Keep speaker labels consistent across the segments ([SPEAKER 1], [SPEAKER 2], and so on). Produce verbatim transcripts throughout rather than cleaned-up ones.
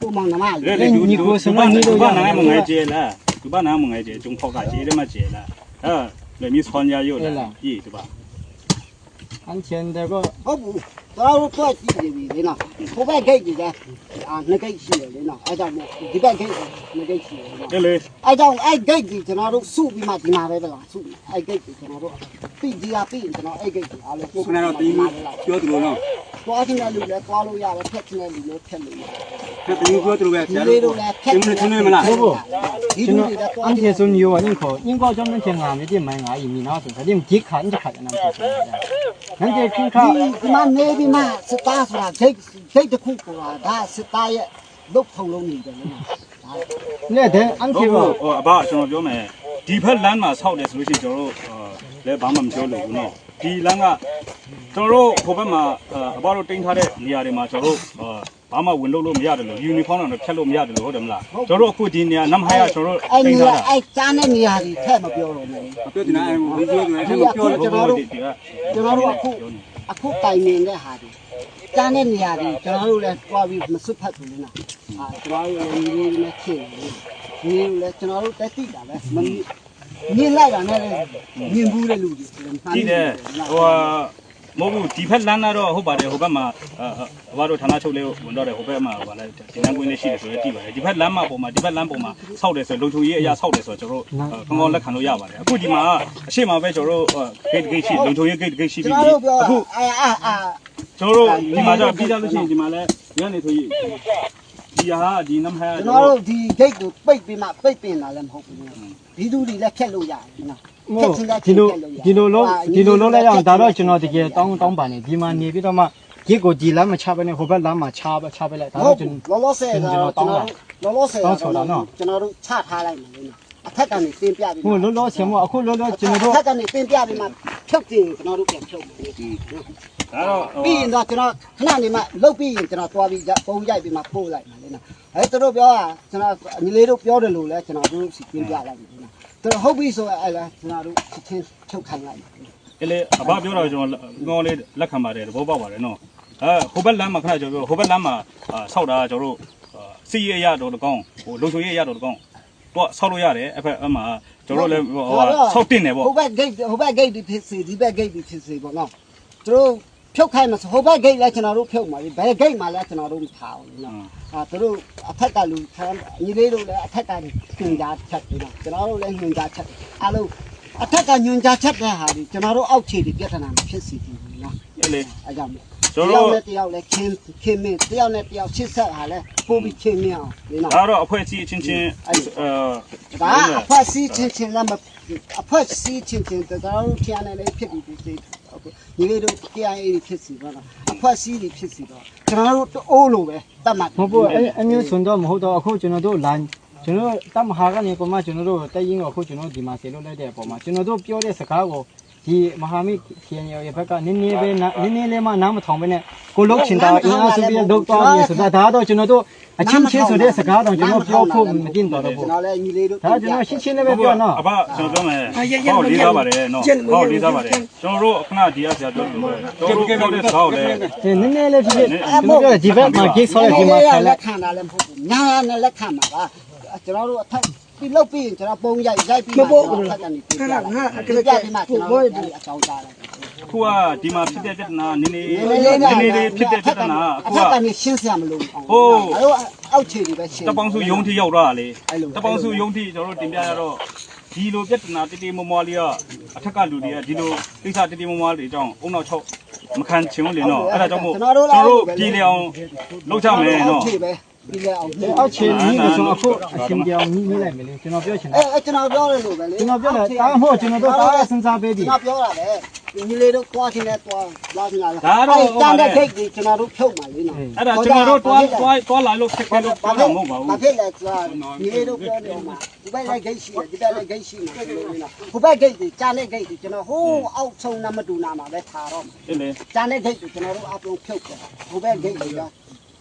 [SPEAKER 1] ကိုမောင်နှမလေ
[SPEAKER 2] လေဒီဒီကိုစမနီတို့ဘာနာမငယ်ကျဲလားဒီဘာနာမငယ်ကျဲကျုံဖောက်ကကျဲတယ်မကျဲလားအဲလေမြစ်ဆွန်ရရုပ်လားကြည့်ဒီပါ
[SPEAKER 3] အန်ချန်တဲ့က
[SPEAKER 1] ဟုတ်ဘူးတော်တော်ထွက်ကြည့်နေပြီလေနော်ဟိုဘက်ဂိတ်ကြီးကအာနှစ်ဂိတ်ရှိတယ်လေနော်အဲကြောင့်ဒီဘက်ဂိတ်နှစ်ဂိတ်ရှိတယ်နော်
[SPEAKER 2] လေလေ
[SPEAKER 1] အဲကြောင့်အဲဂိတ်ကြီးကျွန်တော်တို့စုပြီးမှဒီမှာပဲလားစုအဲဂိတ်ကြီးကျွန်တော်တို့ပြီးဒီကပြီးကျွန်တော်အဲဂိတ်ကြီးအားလုံး
[SPEAKER 4] ကိုခဏတော့တင်းပြောသူလို့နော်
[SPEAKER 1] သွားချင်းတဲ့လူလည်းသွားလို့ရတယ်ဖက်ချင်းတဲ့လူလည်းဖက်လို့ရတယ်
[SPEAKER 4] 这等于说这个呗，
[SPEAKER 1] ဒီလေးတို့လည်းဖက်
[SPEAKER 4] 听没听明白了？
[SPEAKER 3] ဟုတ်ဘူး
[SPEAKER 1] ဒီ
[SPEAKER 3] ကျွန်
[SPEAKER 1] လူ
[SPEAKER 3] တော်
[SPEAKER 1] တွေလည်းသွား
[SPEAKER 3] အန်
[SPEAKER 1] ချ
[SPEAKER 3] ချ
[SPEAKER 1] င်
[SPEAKER 3] န်ဆိုမျိုးကရင်ခေါ်ရင်ကောကြောင့်တင်ငါမြေတင်မိုင်းငါအီမီနာဆိုတဲ့ဒီခါအန်ချခါနမ်းတယ်နန်းတဲ့ခင်ခါ
[SPEAKER 1] ဒီမှာနေပြီးမှစစ်သားဆိုတာဂိတ်ဂိတ်တစ်ခုဆိုတာဒါစစ်သားရဲ့လုတ်ထုံလုံးနေတယ်လေနော်ဒါ
[SPEAKER 3] နဲ့တဲ့အန်ချ
[SPEAKER 2] ဟုတ်
[SPEAKER 3] န်က
[SPEAKER 2] ဟိုအဘကျွန်တော်ပြောမယ်ဒီဘက်လမ်းမှာဆောက်တယ်ဆိုလို့ရှိရင်ကျွန်တော်တို့လဲဘာမှမပြောလို့ဘူးနော်ဒီလမ်းကကျွန်တော်တို့ဟိုဘက်မှာအဘတို့တင်ထားတဲ့နေရာတွေမှာကျွန်တော်တို့ဘာမှဝင်လို့လို့မရတယ်လို့ယူနီဖောင်းတော့ဖြတ်လို့မရတယ်လို့ဟုတ်တယ်မလားကျွန်တော်တို့အခုဒီနေရာနမ်ဟိုင်ကကျွန်တော်တို့
[SPEAKER 1] အဲ့
[SPEAKER 2] တင်
[SPEAKER 1] ဒီ
[SPEAKER 2] ထားတာ
[SPEAKER 1] အဲ့ကျန်းတဲ့နေရာကြီးထက်မပြောတော့ဘူး
[SPEAKER 4] ပြောတင်တာအဲပြောတင်တာအဲပြောလို့
[SPEAKER 1] ကျွန်တော်တို့ကျွန်တော်တို့အခုအခုတိုင်နေတဲ့ဟာဒီကျန်းတဲ့နေရာကြီးကျွန်တော်တို့လည်းတွားပြီးမစွတ်ဖတ်ဘူးလေနော်အာကျွန်တော်တို့လည်းဒီလိုနဲ့ခင်နေဒီလိုလည်းကျွန်တော်တို့တက်တိတာပဲမမြင်လိုက်တာနဲ့မြင်ဘူးတဲ့လူတွေ
[SPEAKER 2] ကြည့်တယ်ဟိုမဟုတ်ဘူးဒီဘက်လမ်းကတော့ဟုတ်ပါတယ်ဟိုဘက်မှာအဘတို့ဌာနချုပ်လေးဝင်တော့တယ်ဟိုဘက်မှာဗာလဲဒီလမ်းကွင်းလေးရှိတယ်ဆိုတော့တည်ပါတယ်ဒီဘက်လမ်းမှာပုံမှာဒီဘက်လမ်းပုံမှာဆောက်တယ်ဆိုလုံချုံကြီးအရာဆောက်တယ်ဆိုတော့ကျွန်တော်တို့ကောင်းကောင်းလက်ခံလို့ရပါတယ်အခုဒီမှာအရှိမပဲကျွန်တော်တို့ဂိတ်ဂိတ်ရှိလုံချုံကြီးဂိတ်ဂိတ်ရှိ
[SPEAKER 1] ကျွ
[SPEAKER 2] ပြီ
[SPEAKER 1] န်တော်တို့ပြော
[SPEAKER 2] အခု
[SPEAKER 1] အာအာအာ
[SPEAKER 2] ကျွန်တော်တို့ဒီမှာကျပြီးကြလို့ရှိရင်ဒီမှာလဲညနေဆိုရင်ဒီဟာဒီနမ်ဟဲ
[SPEAKER 1] ကျွန်တော်တို့ဒီဂိတ်ကိုပိတ်ပြီးမှပိတ်ပင်တာလည်းမဟုတ်ဘူးဒီသူတွေလည်းဖြတ်လို့ရတယ်နော်
[SPEAKER 3] ဒီလိုဒီလိုလုံးဒီလိုလုံးလိုက်အောင်ဒါတော့ကျွန်တော်တကယ်တောင်းတောင်းပါနေဒီမှာနေပြီးတော့မှဒီကိုဒီလမ်းမချဘဲနဲ့ဟိုဘက်လမ်းမှာချပဲချပဲလိုက်ဒါတော့ကျွန်တော်
[SPEAKER 1] လောလောဆယ်တော့ကျွန်တော်လောလောဆယ်တော့ကျွန်တော်တို့ချထားလိုက်မယ်လေနော်အထက်ကနေတင်ပြပြီး
[SPEAKER 3] ဟိုလောလောဆယ်မအခုလောလောကျွန်တော်တို့
[SPEAKER 1] အထက်ကနေတင်ပြပြီးမှဖြုတ်တင်ကျွန်တော်တို့ပြန်ဖြုတ်မယ်
[SPEAKER 2] ဒါတော့
[SPEAKER 1] ပြီးရင်တော့ကျွန်တော်ခဏနေမှလုတ်ပြီးရင်ကျွန်တော်သွားပြီးပုံရိုက်ပြီးမှပို့လိုက်မယ်လေနော်အဲသူတို့ပြောတာကျွန်တော်ညီလေးတို့ပြောတယ်လို့လဲကျွန်တော်တို့စီတင်ပြလိုက်ပြီနော်သူတို့ဟုတ်ပြီဆိုအဲလဲကျွန်တော်တို့ချင်းချုပ်ခိုင်းလိုက်
[SPEAKER 2] အဲ့လေအဘပြောတော့ကျွန်တော်ငေါလေးလက်ခံပါတယ်သဘောပေါက်ပါတယ်နော်အဲဟိုဘက်လမ်းမှာခဏကျွန်တော်ပြောဟိုဘက်လမ်းမှာဆောက်တာကျွန်တော်တို့စီရရတော့တကောင်းဟိုလုံချုံရရတော့တကောင်းတော့ဆောက်လို့ရတယ်အဲ့ဖက်အမှကျွန်တော်လည်းဟိုဆောက်တင်တယ်ပေါ့
[SPEAKER 1] ဟိုဘက်ဂိတ်ဟိုဘက်ဂိတ်ဒီဖြစ်စီဒီဘက်ဂိတ်ဒီဖြစ်စီပေါ့နော်သူတို့ဖြုတ်ခိုင်းမှာဟိုဘက်ဂိတ်လည်းကျွန်တော်တို့ဖြုတ်မှာဘယ်ဂိတ်မှာလည်းကျွန်တော်တို့မထားဘူးနော်အာသူတို့အထက်ကလူညီလေးတို့လည်းအထက်ကညွန်ကြားချက်ပြီးတော့ကျွန်တော်တို့လည်းညွန်ကြားချက်အားလုံးအထက်ကညွန်ကြားချက်တဲ့ဟာဒီကျွန်တော်တို့အောက်ခြေဒီပြဿနာမဖြစ်စီဘူးနော်
[SPEAKER 2] အဲ့လေ
[SPEAKER 1] အဲကြောင့်
[SPEAKER 2] ကျွန်
[SPEAKER 1] တ
[SPEAKER 2] တော်
[SPEAKER 1] ယောက်
[SPEAKER 2] တို့
[SPEAKER 1] နဲ့တယောက်လည်းခင်းခင်းမင်းတယောက်နဲ့တယောက်ချစ်ဆက်ဟာလဲပို့ပြီးခင်းမင်းအောင်ဒီနော်
[SPEAKER 2] ဒါတော့အဖွဲ့အစည်းအချင်းချင်းအဲ
[SPEAKER 1] ဒါအဖွက်စီးချင်းချင်းလည်းမအဖွက်စီးချင်းချင်းတော်တော်ထျားနေလေးဖြစ်ပြီးပြီဟုတ်ကဲ့ညီလေးတို့ K I A ဖြစ်စီပါတော့အဖွက်စီးတွေဖြစ်စီတော့ကျွန်တော်တို့အိုးလိုပဲတတ်မှတ်
[SPEAKER 3] မဟုတ်ဘူးအဲအမျိုးစွန်တော့မဟုတ်တော့အခုကျွန်တော်တို့လမ်းကျွန်တော်တမဟာကနေပုံမှကျွန်တော်တို့တက်ရင်အခုကျွန်တော်ဒီမှာဆေလို့လိုက်တဲ့အပေါ်မှာကျွန်တော်တို့ပြောတဲ့စကားကိုဒီမဟာမိခင်ရဲ့ဘက်ကနည်းနည်းပဲနည်းနည်းလေးမှနားမထောင်ပဲနဲ့ကိုလုတ်ချင်တာအင်အားစုပြီးလုတ်သွားပြီးဆိုတာဒါတော့ကျွန်တော်တို့အချင်းချင်းဆိုတဲ့စကားတော့ကျွန်တော်ပြောဖို့မတင်တော့ဘူး
[SPEAKER 1] ကျွန်တော်လည်းညီလေးတို့
[SPEAKER 3] ဒါကျွန်တော်ရှင်းရှင်းလေးပဲပြောနော်
[SPEAKER 2] အဘကျွန်တော်ပြောမယ်ဟောလေးသားပါတယ်နော်ဟောလေးသားပါတယ်ကျွန်တော်တို့ခဏဒီအဆရာပြောလို့ပဲကျွန်တော်တို့ပြောတဲ့စကားကိုလည်း
[SPEAKER 3] ဒီနည်းနည်းလေးဖြစ်ဖြစ်ကျွန်တော်ပြောဒီဘက်မှာဂိတ်ဆောက်ရဒီမှာဆက်လို
[SPEAKER 1] လက်
[SPEAKER 3] က်
[SPEAKER 1] ခံတာလည်းမဟုတ်ဘူးညာနဲ့လက်ခံမှာပါကျွန်တော်တို့အထက်ပြီးလုတ်ပြီးရင်ကျွန်တော်ပုံရိုက်ရိုက်ပြီးမှကျွန်တော်ထက်ကနေပြပြလိုက်ခဏခဏပြပြီးမှကျွန်တော်တို့အကြောင်းကြားလိုက်
[SPEAKER 2] ခုကဒီမှာဖြစ်တဲ့ပြဿနာနည်းနည်းနည်းနည်းလေးဖြစ်တဲ့ပြဿနာအခု
[SPEAKER 1] အ
[SPEAKER 2] က
[SPEAKER 1] ထက်ကနေရှင်းစရာမလိုဘူး
[SPEAKER 2] ဟိုး
[SPEAKER 1] အဲ့တော့အောက်ခြေတွေပဲရှင်း
[SPEAKER 2] တပေါင်းစုယုံထိရောက်တော့တာလေ
[SPEAKER 1] အဲ့လို
[SPEAKER 2] တပေါင်းစုယုံထိကျွန်တော်တို့တင်ပြရတော့ဒီလိုပြဿနာတိတိမွားမွားလေးကအထက်ကလူတွေကဒီလိုကိစ္စတိတိမွားမွားလေးအကြောင်းအုံနောက်ချုပ်မခံချင်ဘူးလေနော်အဲ့ဒါကြောင့်မို့ကျွန်တော်တို့ပြည်လျောင်လောက်ကြမယ်နော်
[SPEAKER 1] အောက်ခြေပဲပြီးလဲအောင်
[SPEAKER 3] အောက်ခြေကြီးလို့ဆိုအခုအရှင်ပြောင်းကြီးလိုက်မယ်လေကျွန်တော်ပြောချင်တာ
[SPEAKER 1] အဲကျွန်တော်ပြောရလို့ပဲလေ
[SPEAKER 3] ကျွန်တော်ပြောတယ်တားမဟုတ်ကျွန်တော်တို့တားစဉ်းစားပေးပြီ
[SPEAKER 1] ကျွန်တော်ပြောတာပဲညီလေးတို့သွားချင်းနဲ့သွားသွားချင်းလာ
[SPEAKER 2] ဒါတော့
[SPEAKER 1] တန်တဲ့ဂိတ်ကြီးကျွန်တော်တို့ဖြုတ်မှာလေနော်
[SPEAKER 2] အဲ့ဒါကျွန်တော်တို့တွားတွားတွားလာလို့ခက်ခဲလို့ပြောတာမဟုတ်ပါဘူး
[SPEAKER 1] ဘာဖြစ်လဲဆိုတာညီလေးတို့ပြောနေမှာဒီဘက်လည်းဂိတ်ရှိတယ်ဒီဘက်လည်းဂိတ်ရှိတယ်လို့နော်ဟိုဘက်ဂိတ်ကြီးကြားတဲ့ဂိတ်ကြီးကျွန်တော်ဟိုးအောက်ဆုံးနမတူနာမှာပဲထားတော့
[SPEAKER 2] အဲ့လေ
[SPEAKER 1] ကြားတဲ့ဂိတ်ကြီးကျွန်တော်တို့အပလုံးဖြုတ်တယ်ဟိုဘက်ဂိတ်ကြီးက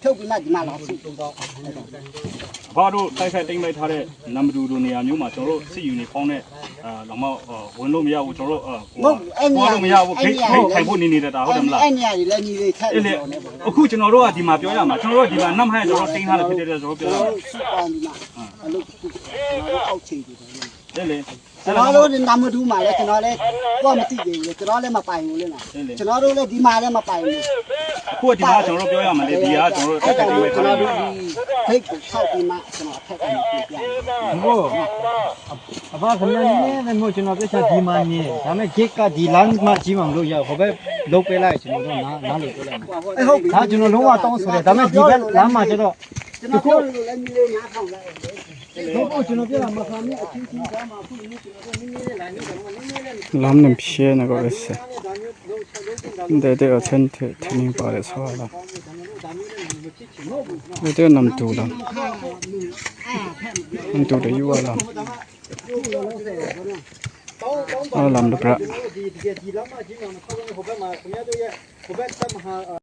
[SPEAKER 1] ဖြုတ်ပြီးမှဒီမှာလာစုတော့
[SPEAKER 2] ဘာတို့တိုက်ခိုက်တိမ့်လိုက်ထားတဲ့နံပါတ်2နေရာမျိုးမှာကျွန်တော်တို့စစ်ယူနီဖောင်းနဲ့အာလောမဝင်လို့မရဘူးကျွန်တော်တို့ဟိုလို့မရဘူးခိတ်ခိုင်ဖို့နေနေတာဟုတ်တယ်မလား
[SPEAKER 1] အဲ့နေရာကြီးလည်းညီလေးထက်
[SPEAKER 2] အဲ့လေအခုကျွန်တော်တို့ကဒီမှာပြောရမှာကျွန်တော်တို့ဒီမှာနတ်ဟန်ကျွန်တော်တင်းထားတယ်ဖြစ်တဲ့ကျွန်တော်ပြောရမှာ
[SPEAKER 1] စုပေါင်းဒီမှာအလုပ်ကျွန်တော်အောက်ချိန်တယ်
[SPEAKER 2] တဲ့လေ
[SPEAKER 1] ကျွန်တော်တို့နမတူးမှာလဲကျွန်တော်လဲကိုမသိသေးဘူးလေကျွန်တော်လည်းမပိုင်ဘူးလေနော်ကျွန်တော်တို့လည်းဒီမှာလည်းမပိုင်ဘူး
[SPEAKER 2] အခုဒီမှာကျွန်တော်တို့ပြောရမှာလေဒီကကျွန်တော်တို့တိုက်ခိုက်တိမ့်လိုက်ထား
[SPEAKER 1] ကျွန်
[SPEAKER 2] တယ်
[SPEAKER 1] တော်တို့ဒီဖိတ်ကိုထောက်ပြီးမှကျွန်တော်ထက်ကနေပြပြ
[SPEAKER 3] ဟုတ်အဘခင်ဗျာနည်းနည်းမို့ကျွန်တော်ပြချဒီမှာနေဒါပေမဲ့ gate ကဒီ line မှာကြီးမှမလို့ရဟိုဘက်လုတ်ပေးလိုက်ကျွန်တော်တို့နားနားလို့ပြောလိုက်မယ်
[SPEAKER 1] အဲ့ဟုတ်ပြီ
[SPEAKER 3] ဒါကျွန်တော်လုံးဝတောင်းဆိုတယ်ဒါပေမဲ့ဒီဘက်လမ်းမှာကျတော့
[SPEAKER 1] ကျွန်တော်တို့လည်းညီလေးနားထောင်လိုက်
[SPEAKER 3] ဟုတ်ပေါ့ကျွန်တော်ပြောတာမခံနဲ့အချင်းချင်းကြားမှာအခုနည်းကျွန်တော်တို့နည်းနည်းလေး line နဲ့နည်းနည်းလေး
[SPEAKER 5] lamnem phe na go ese de de athente thini pare sawala de de nam tu la nam tu de yu wala ala lam de pra
[SPEAKER 3] ဒီဒီဒီလမ်းမှာကြီးမှာခေါင်းဟိုဘက်မှာခင်ဗျားတို့ရဲ့ဟိုဘက်ဆက်မှာ